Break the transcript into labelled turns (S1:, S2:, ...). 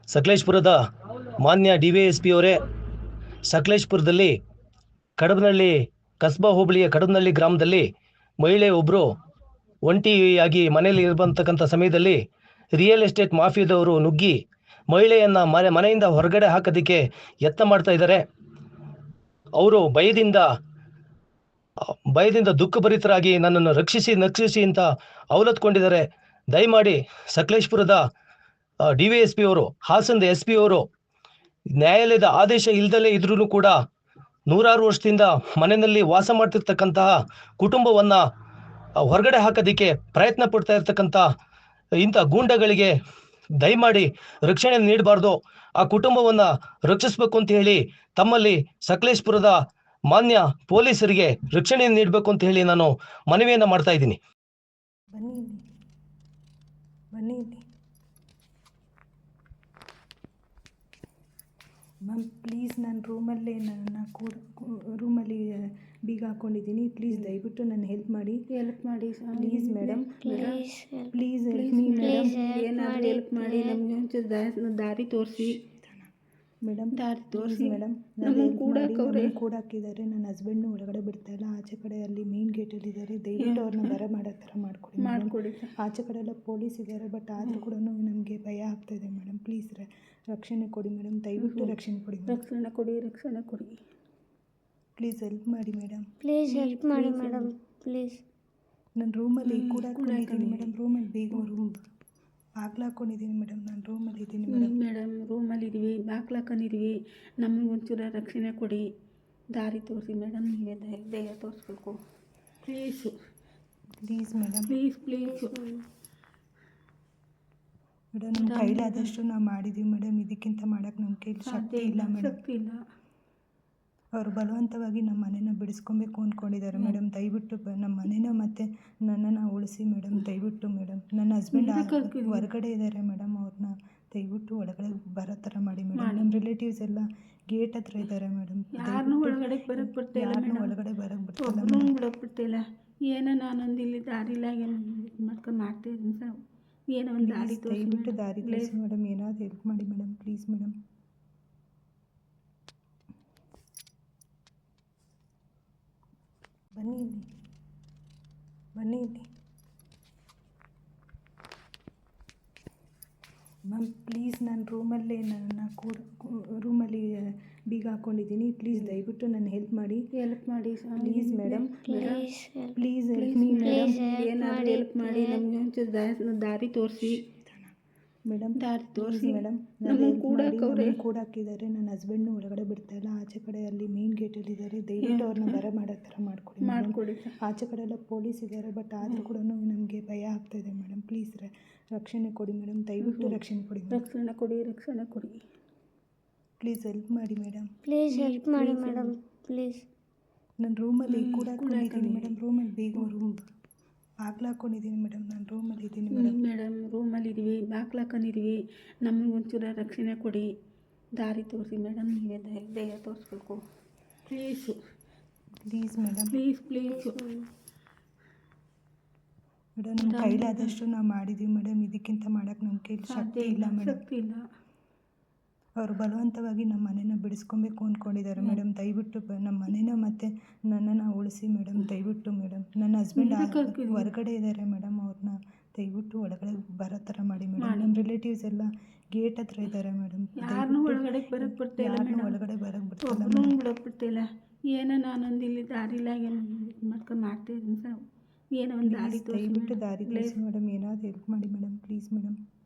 S1: ಸಕಲೇಶ್ಪುರದ ಮಾನ್ಯ DVSP ಅವರೇ, ಸಕಲೇಶ್ಪುರದಲ್ಲಿ ಕಡಬನಹಳ್ಳಿ ಕಸ್ಬಾ ಹೋಬಳಿಯ ಕಡಬನಹಳ್ಳಿ ಗ್ರಾಮದಲ್ಲಿ ಮಹಿಳೆ ಒಬ್ಬರು ಒಂಟಿಯಾಗಿ ಮನೆಯಲ್ಲಿ ಇರತಕ್ಕಂಥ ಸಮಯದಲ್ಲಿ ರಿಯಲ್ ಎಸ್ಟೇಟ್ ಮಾಫಿಯಾದವರು ನುಗ್ಗಿ ಮಹಿಳೆಯನ್ನು ಮನೆಯಿಂದ ಹೊರಗಡೆ ಹಾಕೋದಕ್ಕೆ ಯತ್ನ ಮಾಡ್ತಾ ಇದ್ದಾರೆ. ಅವರು ಭಯದಿಂದ ದುಃಖಭರಿತರಾಗಿ ನನ್ನನ್ನು ರಕ್ಷಿಸಿ ಅಂತ ಅವಲತ್ಕೊಂಡಿದ್ದಾರೆ. ದಯಮಾಡಿ ಸಕಲೇಶ್ಪುರದ DVSP ಅವರು, ಹಾಸನದ SP ಅವರು ನ್ಯಾಯಾಲಯದ ಆದೇಶ ಇಲ್ದಲೇ ಇದ್ರೂ ಕೂಡ ನೂರಾರು ವರ್ಷದಿಂದ ಮನೆಯಲ್ಲಿ ವಾಸ ಮಾಡ್ತಿರ್ತಕ್ಕಂತಹ ಕುಟುಂಬವನ್ನು ಹೊರಗಡೆ ಹಾಕೋದಕ್ಕೆ ಪ್ರಯತ್ನ ಪಡ್ತಾ ಇರ್ತಕ್ಕಂಥ ಇಂಥ ಗೂಂಡಗಳಿಗೆ ದಯಮಾಡಿ ರಕ್ಷಣೆ ನೀಡಬಾರ್ದು. ಆ ಕುಟುಂಬವನ್ನು ರಕ್ಷಿಸಬೇಕು ಅಂತ ಹೇಳಿ ತಮ್ಮಲ್ಲಿ ಸಕಲೇಶ್ಪುರದ ಮಾನ್ಯ ಪೊಲೀಸರಿಗೆ ರಕ್ಷಣೆ ನೀಡಬೇಕು ಅಂತ ಹೇಳಿ ನಾನು ಮನವಿಯನ್ನು ಮಾಡ್ತಾ ಇದ್ದೀನಿ.
S2: ಬನ್ನಿ ಮ್ಯಾಮ್, ಪ್ಲೀಸ್ ನಾನು ರೂಮಲ್ಲಿ ಬೀಗ ಹಾಕ್ಕೊಂಡಿದ್ದೀನಿ. ಪ್ಲೀಸ್ ದಯವಿಟ್ಟು ನನ್ನ ಹೆಲ್ಪ್ ಮಾಡಿ please madam. Please help me madam. ಏನಾದರೂ ಹೆಲ್ಪ್ ಮಾಡಿ, ನಮಗೆ ಒಂಚೂರು ದಾರಿ ತೋರಿಸಿ ಮೇಡಮ್. ಮೇಡಮ್, ಕೂಡ ಹಾಕಿದ್ದಾರೆ. ನನ್ನ ಹಸ್ಬೆಂಡ್ನು ಒಳಗಡೆ ಬಿಡ್ತಾಯಿಲ್ಲ. ಆಚೆ ಕಡೆ ಅಲ್ಲಿ ಮೇನ್ ಗೇಟಲ್ಲಿ ಇದ್ದಾರೆ. ದಯವಿಟ್ಟು ಅವ್ರನ್ನ ಮಾಡೋ ಥರ ಮಾಡಿಕೊಡಿ. ಆಚೆ ಕಡೆ ಎಲ್ಲ ಪೊಲೀಸ್ ಇದ್ದಾರೆ, ಬಟ್ ಆದರೂ ಕೂಡ ನಮಗೆ ಭಯ ಆಗ್ತಾಯಿದೆ ಮೇಡಮ್. ಪ್ಲೀಸ್ ರಕ್ಷಣೆ ಕೊಡಿ ಮೇಡಮ್, ದಯವಿಟ್ಟು ರಕ್ಷಣೆ ಕೊಡಿ. ರಕ್ಷಣೆ ಕೊಡಿ ಪ್ಲೀಸ್ ಹೆಲ್ಪ್ ಮಾಡಿ ಮೇಡಮ್.
S3: ಪ್ಲೀಸ್
S2: ನಾನು ರೂಮಲ್ಲಿ ಕೂಡ ಹಾಕೊಂಡಿದ್ದೀನಿ ಮೇಡಮ್. ರೂಮಲ್ಲಿ ಬೇಗ ಬಾಗ್ಲು ಹಾಕ್ಕೊಂಡಿದ್ದೀನಿ ಮೇಡಮ್. ನಾನು ರೂಮಲ್ಲಿ ಇದ್ದೀನಿ
S4: ಮೇಡಮ್. ರೂಮಲ್ಲಿದ್ದೀವಿ, ಬಾಗ್ಲು ಹಾಕೊಂಡಿದ್ದೀವಿ. ನಮಗೆ ಒಂಚೂರು ರಕ್ಷಣೆ ಕೊಡಿ, ದಾರಿ ತೋರಿಸಿ ಮೇಡಮ್. ನೀವೇ ದಯ ತೋರಿಸ್ಬೇಕು
S2: ಪ್ಲೀಸ್ ಮೇಡಮ್. ಮೇಡಮ್, ನಮ್ಮ ಕೈಲಾದಷ್ಟು ನಾವು ಮಾಡಿದ್ದೀವಿ ಮೇಡಮ್. ಇದಕ್ಕಿಂತ ಮಾಡೋಕ್ಕೆ ನಮ್ಮ ಕೈಲಿ ಶಕ್ತಿ ಇಲ್ಲ ಮೇಡಮ್. ಅವರು ಬಲವಂತವಾಗಿ ನಮ್ಮ ಮನೇನ ಬಿಡಿಸ್ಕೊಬೇಕು ಅಂದ್ಕೊಂಡಿದ್ದಾರೆ ಮೇಡಮ್. ದಯವಿಟ್ಟು ನಮ್ಮ ಮನೇನ ಮತ್ತು ನನ್ನನ್ನು ಉಳಿಸಿ ಮೇಡಮ್. ದಯವಿಟ್ಟು ಮೇಡಮ್. ನನ್ನ ಹಸ್ಬೆಂಡ್ ಹೊರಗಡೆ ಇದ್ದಾರೆ ಮೇಡಮ್. ಅವ್ರನ್ನ ದಯವಿಟ್ಟು ಒಳಗಡೆ ಬರೋ ಥರ ಮಾಡಿ ಮೇಡಮ್. ನಮ್ಮ ರಿಲೇಟಿವ್ಸ್ ಎಲ್ಲ ಗೇಟ್ ಹತ್ರ ಇದ್ದಾರೆ ಮೇಡಮ್.
S4: ಒಳಗಡೆ ಬರೋಕ್ಕೆ ಬಿಡ್ತಿಲ್ಲ. ಏನೋ ನಾನೊಂದು ಇಲ್ಲಿ ದಾರಿಲ್ಲ ಮಾಡ್ತಾಯಿದ್ದೀನಿ ಸರ್. ಏನೋ ಒಂದು ದಾರಿ
S2: ದಯವಿಟ್ಟು ದಾರಿ ತೋರಿಸಿ ಮೇಡಮ್. ಏನಾದರೂ ಹೆಲ್ಪ್ ಮಾಡಿ ಮೇಡಮ್, ಪ್ಲೀಸ್ ಮೇಡಮ್. ಬನ್ನಿ ಇಲ್ಲಿ ಮ್ಯಾಮ್. ಪ್ಲೀಸ್ ನಾನು ರೂಮಲ್ಲಿ ಬೀಗ ಹಾಕ್ಕೊಂಡಿದ್ದೀನಿ. ಪ್ಲೀಸ್ ದಯವಿಟ್ಟು ನನ್ನ ಹೆಲ್ಪ್ ಮಾಡಿ please madam. Please help me madam. ಏನಾದರೂ ಹೆಲ್ಪ್ ಮಾಡಿ, ನಮಗೆ ಒಂಚೂರು ದಾರಿ ತೋರಿಸಿ ಮೇಡಮ್. ಮೇಡಮ್, ಕೂಡ ಹಾಕಿದ್ದಾರೆ. ನನ್ನ ಹಸ್ಬೆಂಡ್ನು ಒಳಗಡೆ ಬಿಡ್ತಾಯಿಲ್ಲ. ಆಚೆ ಕಡೆ ಅಲ್ಲಿ ಮೇನ್ ಗೇಟಲ್ಲಿ ಇದ್ದಾರೆ. ದಯವಿಟ್ಟು ಅವ್ರನ್ನ ಮಾಡೋ ಥರ ಮಾಡಿಕೊಡಿ. ಆಚೆ ಕಡೆ ಎಲ್ಲ ಪೊಲೀಸ್ ಇದ್ದಾರೆ, ಬಟ್ ಆದರೂ ಕೂಡ ನಮಗೆ ಭಯ ಆಗ್ತಾಯಿದೆ ಮೇಡಮ್. ಪ್ಲೀಸ್ ರಕ್ಷಣೆ ಕೊಡಿ ಮೇಡಮ್. ದಯವಿಟ್ಟು ರಕ್ಷಣೆ ಕೊಡಿ. ಪ್ಲೀಸ್ ಹೆಲ್ಪ್ ಮಾಡಿ ಮೇಡಮ್. ನಾನು ರೂಮಲ್ಲಿ ಕೂಡ ಹಾಕ್ಕೊಂಡಿದ್ದೀನಿ ಮೇಡಮ್. ರೂಮಲ್ಲಿ ಬೇಗ ಬಾಗ್ಲು ಹಾಕ್ಕೊಂಡಿದ್ದೀನಿ ಮೇಡಮ್. ನಾನು ರೂಮಲ್ಲಿ ಇದ್ದೀನಿ
S4: ಮೇಡಮ್. ರೂಮಲ್ಲಿದ್ದೀವಿ, ಬಾಗ್ಲು ಹಾಕೊಂಡಿದ್ದೀವಿ. ನಮಗೆ ಒಂಚೂರು ರಕ್ಷಣೆ ಕೊಡಿ, ದಾರಿ ತೋರಿಸಿ ಮೇಡಮ್. ನೀವೇ ದಯ ತೋರಿಸ್ಬೇಕು
S2: ಪ್ಲೀಸ್ ಮೇಡಮ್. ಮೇಡಮ್, ನಮ್ಮ ಕೈಲಾದಷ್ಟು ನಾವು ಮಾಡಿದ್ದೀವಿ ಮೇಡಮ್. ಇದಕ್ಕಿಂತ ಮಾಡೋಕ್ಕೆ ನಮ್ಮ ಕೈಲಿ ಶಕ್ತಿ ಇಲ್ಲ ಮೇಡಮ್. ಅವರು ಬಲವಂತವಾಗಿ ನಮ್ಮ ಮನೇನ ಬಿಡಿಸ್ಕೊಬೇಕು ಅಂದ್ಕೊಂಡಿದ್ದಾರೆ ಮೇಡಮ್. ದಯವಿಟ್ಟು ನಮ್ಮ ಮನೇನ ಮತ್ತು ನನ್ನನ್ನು ಉಳಿಸಿ ಮೇಡಮ್. ದಯವಿಟ್ಟು ಮೇಡಮ್. ನನ್ನ ಹಸ್ಬೆಂಡ್ ಹೊರಗಡೆ ಇದ್ದಾರೆ ಮೇಡಮ್. ಅವ್ರನ್ನ ದಯವಿಟ್ಟು ಒಳಗಡೆ ಬರೋ ಥರ ಮಾಡಿ ಮೇಡಮ್. ನಮ್ಮ ರಿಲೇಟಿವ್ಸ್ ಎಲ್ಲ ಗೇಟ್ ಹತ್ರ ಇದ್ದಾರೆ ಮೇಡಮ್.
S4: ಒಳಗಡೆ ಬರೋಕ್ಕೆ ಬಿಡ್ತಿಲ್ಲ. ಏನೋ ನಾನೊಂದು ಇಲ್ಲಿ ದಾರಿಲ್ಲ ಮಾಡ್ತಾಯಿದ್ದೀನಿ ಸರ್. ಏನೋ ಒಂದು ದಾರಿ
S2: ದಯವಿಟ್ಟು ದಾರಿ ತೋರಿಸಿ ಮೇಡಮ್. ಏನಾದರೂ ಹೆಲ್ಪ್ ಮಾಡಿ ಮೇಡಮ್, ಪ್ಲೀಸ್ ಮೇಡಮ್.